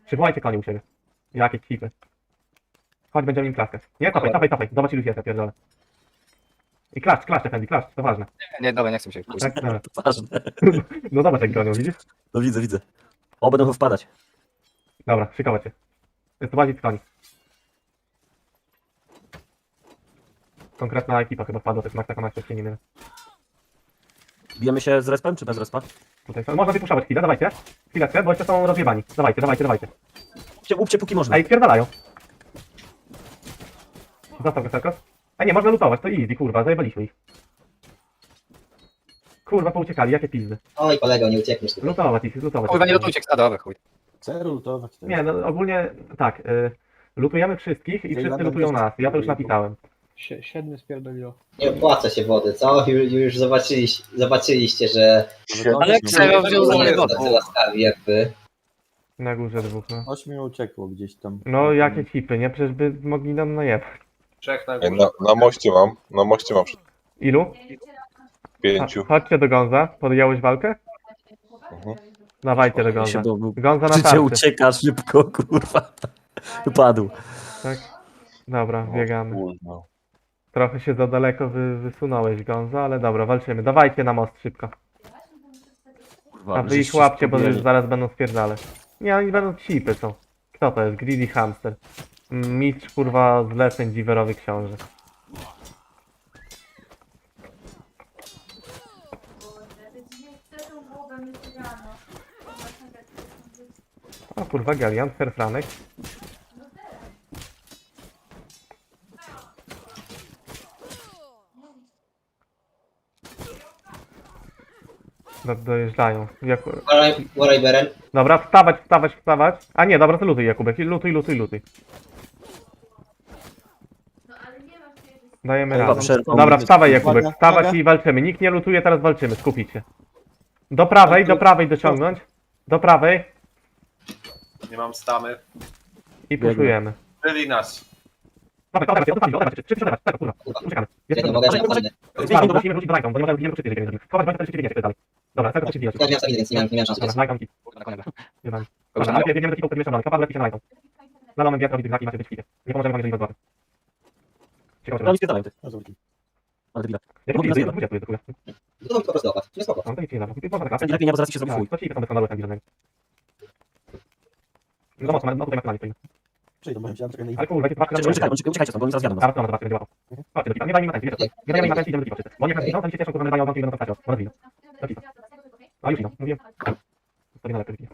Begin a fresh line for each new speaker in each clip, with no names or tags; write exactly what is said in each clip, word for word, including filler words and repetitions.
Przywołajcie konie u siebie. Jakie cipy. Chodź, będziemy im klaskać. Nie, cofaj, cofaj, cofaj. Zobacz ilu jest, ja pierdolę. I klaszcz, klaszcz, Efendi, klaszcz, to ważne.
Nie, dobra, nie chcę się pójść.
Tak, dobra.
To ważne.
No zobacz jak gonią, widzisz?
No widzę, widzę. O, będą wpadać.
Dobra, szykować się. Jest to bardziej koni. Konkretna ekipa chyba wpadła, to jest Max, taka Max, nie wiem.
Bijemy się z respem, czy bez respa?
Tutaj są. Można wypuszczać chwilę, dawajcie. Chwileczkę, bo jeszcze są rozjebani. Dawajcie, dawajcie, dawajcie.
Łupcie, łupcie póki można.
Ej, spierdalają. Zostaw go, Serkos. Ej, nie, można lutować, to easy, kurwa, zajebaliśmy ich. Kurwa, pouciekali, jakie pizdy.
Oj, kolego, nie uciekniesz tu.
Lutować ich, lutować.
Kurwa, nie lutujcie, a dobra, chuj.
Chcę lutować.
Nie, no ogólnie tak. Y, lutujemy wszystkich i wszyscy
będą
lutują
też-
nas. Ja to już napisałem.
Sie- Siedmiu spierdoliło.
Nie opłaca się wody, co? Już, już zobaczyliście, zobaczyliście, że
Ale jak Ksero wziął za
nie
mnie
jest
wodę.
tacy łaskawi jak wy.
Na górze dwóch, no.
Ośmiu uciekło gdzieś tam.
No, jakie cipy, nie? Przecież by mogli nam najebać.
Trzech na
Ej,
górze.
Na, na moście mam, na moście mam przed
Ilu?
pięciu.
A, chodźcie do Gonza. Podjąłeś walkę?
Mhm.
Dawajcie do
Się
Gonza.
był, był.
Gonza na
Życie
tarczy.
ucieka szybko, kurwa. Padł.
Tak. Dobra, biegamy.
Kurwa.
Trochę się za daleko wy, wysunąłeś, Gonza, ale dobra, walczymy. Dawajcie na most szybko.
Kurwa,
A wy
żeście
ich łapcie, bo
spróbowali.
już zaraz będą spierdalać. Nie, oni będą cipy są. Kto to jest? Greedy Hamster. Mistrz, kurwa, zleceń dziwerowy książę. O kurwa, Galian, Ferfranek. Do, dojeżdżają. Jak...
Waraj, waraj Beren.
Dobra, wstawać, wstawać, wstawać. A nie, dobra, to lutuj Jakubek, lutuj, lutuj, lutuj. Dajemy
Chyba
radę.
przerwą.
Dobra, wstawaj Jakubek,
Uwaga,
wstawać
uwaga.
i walczymy. Nikt nie lutuje, teraz walczymy, skupić się. Do prawej, do prawej dociągnąć. Do prawej
Nie mam stamy.
i puszujemy.
Byli nas.
Dobra, dobra, dobra, dobra, czy przedawać, tego kurwa, uciekamy.
Ja nie mogę
Dobra,
żadnych.
dobra, musimy wrócić do Lighton, bo nie możemy, nie możemy krzyczeć, żeby Schować broń, to się biegnie dalej. Dobra, tego się bijecie.
Ja miałem stability, więc nie miałem, nie miałem szansy.
Dobra, Lighton, kit.
Kurwa, na koniec.
Jebani. Dobra, ale biegniemy do kitu, który mieszczą Kapal, lepiej się na Lighton. Na moment wiatr robi tych znaki, macie być w kicie. Nie pomożemy wam, jeżeli was złapią. Ciekawe,
No oni spierdalają ty.
A, zobacz.
Ale debila.
jak
Mogli
to
nas
jest,
jebać.
to jest, to jest,
No to mi po prostu opłat. Nie spoko.
no to nic nie da, można tak
Będzie lepiej nie, bo zaraz ci się zrobi chuj.
to ci są bez skandalu, jak żadnego. No mocno, no tutaj maksymalnie stoimy.
Przejdą, bo ja czekam na ich.
Ale kurwa, jakie dwa
Uciekajcie, uciekajcie, uciekajcie stąd, bo oni zaraz jadą nas.
Zaraz to zobaczymy, będzie łapał. Chodźcie do kitu, nie dajmy im atencji, wiecie co? Nie dajmy im atencji, idziemy do kitu wszyscy. Bo oni jak nas widzą, to oni się cieszą, kurwa, nazywają odłamki i będą to bo nas widzą. Do kitu. A już idą, mówiłem. Sobie na lepiej.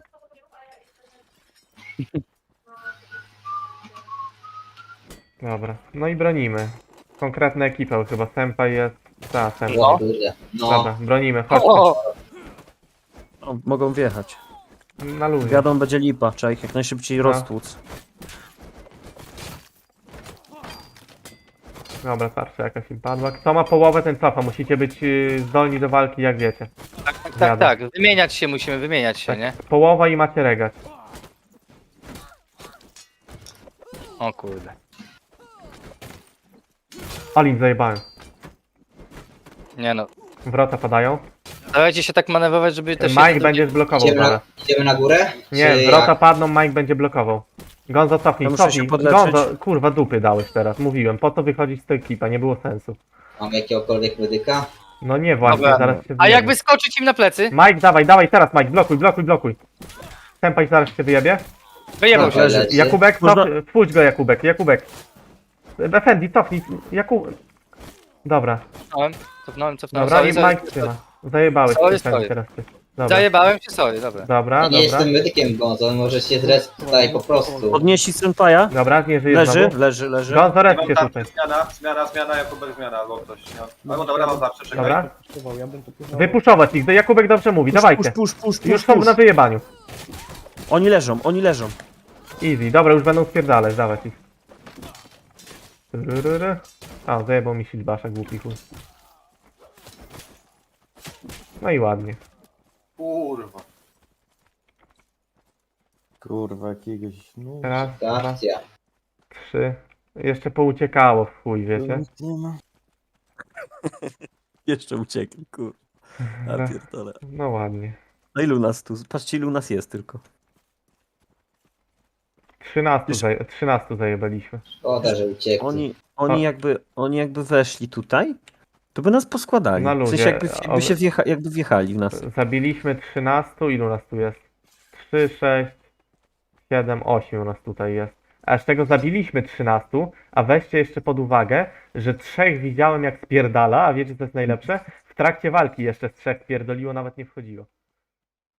Dobra, no i bronimy. Konkretna ekipa chyba, Senpai jest... Ta, Senpai.
O kurde. No.
Dobra, bronimy, chodźcie.
O,
O, mogą wjechać.
Na luzie.
Wiadomo, będzie lipa, trzeba ich jak najszybciej
No.
roztłuc.
Dobra, tarcza jakaś im padła. Kto ma połowę, ten cofa. Musicie być yy, zdolni do walki, jak wiecie.
tak, tak, tak, tak. Wymieniać się musimy, wymieniać się, nie?
Połowa i macie regać.
O kurde.
Alin zajebałem.
Nie no.
Wrota padają.
Dawajcie się tak manewrować, żeby też...
Mike będzie blokował
Idziemy na,
zaraz.
idziemy na górę?
Nie,
Czy
wrota
jak?
padną, Mike będzie blokował. Gonzo, cofnij,
Ja muszę
cofnij.
się podleczyć.
Gonzo, kurwa, dupy dałeś teraz. Mówiłem, po to wychodzić z tej ekipa, nie było sensu.
Mam jakiegokolwiek medyka?
No nie, właśnie,
Dobra.
zaraz się
A
wyjebie.
jak wyskoczyć im na plecy?
Mike, dawaj, dawaj, teraz Mike, blokuj, blokuj, blokuj. Senpai zaraz się wyjebie.
Wyjebał
Dobra,
się.
leży.
Jakubek,
Można-
cof, wpuść go Jakubek, Jakubek. Efendi, cofnij, Jakub... Dobra,
Cofnąłem, cofnąłem, cofnąłem.
dobra, i
Sorry, sorry,
Mike trzyma. Zajebałeś
Sorry,
Efendi
sorry.
teraz ty. Dobra,
Zajebałem się, sorry, dobra.
dobra,
Ja nie
dobra.
jestem medykiem, Gonzo, on może się zres tutaj po prostu.
Podnieśli Senpaja.
Dobra, nie żyje
Leży,
znowu.
leży, leży.
Gonzo, res
Mam
się
tam
tutaj.
zmiana, zmiana, zmiana, Jakubek zmiana, albo ktoś. No. Albo dobra, mam zawsze, czekaj.
Dobra,
Próbował, ja bym to próbował.
wypuszować ich, Jakubek dobrze mówi,
Push,
dawajcie.
push, push, push,
Już
push,
są
push.
na wyjebaniu.
Oni leżą, oni leżą.
Easy, dobra, już będą spierdalać, dawać ich. Tyryryry. A, zajebał mi silbasza, głupi chuj. No i ładnie.
Kurwa.
Kurwa, jakiegoś... No,
Raz, dwa,
Akcja.
trzy. Jeszcze pouciekało w chuj, wiecie?
nic nie ma.
Jeszcze uciekli, kur. A
Raz.
pierdolę.
No ładnie.
No ilu nas tu? Patrzcie ilu nas jest tylko.
trzynastu, zaje, trzynastu zajebaliśmy.
Szkoda, że uciekli.
Oni, oni,
A-
jakby, oni jakby weszli tutaj, to by nas poskładali.
Na
W sensie
luzie,
jakby,
a-
jakby się wjecha, jakby wjechali w nas.
Zabiliśmy trzynastu, ilu nas tu jest? trzy, sześć, siedem, osiem nas tutaj jest. A z tego zabiliśmy trzynastu, a weźcie jeszcze pod uwagę, że trzech widziałem jak spierdala, a wiecie co jest najlepsze? W trakcie walki jeszcze z trzech spierdoliło, nawet nie wchodziło.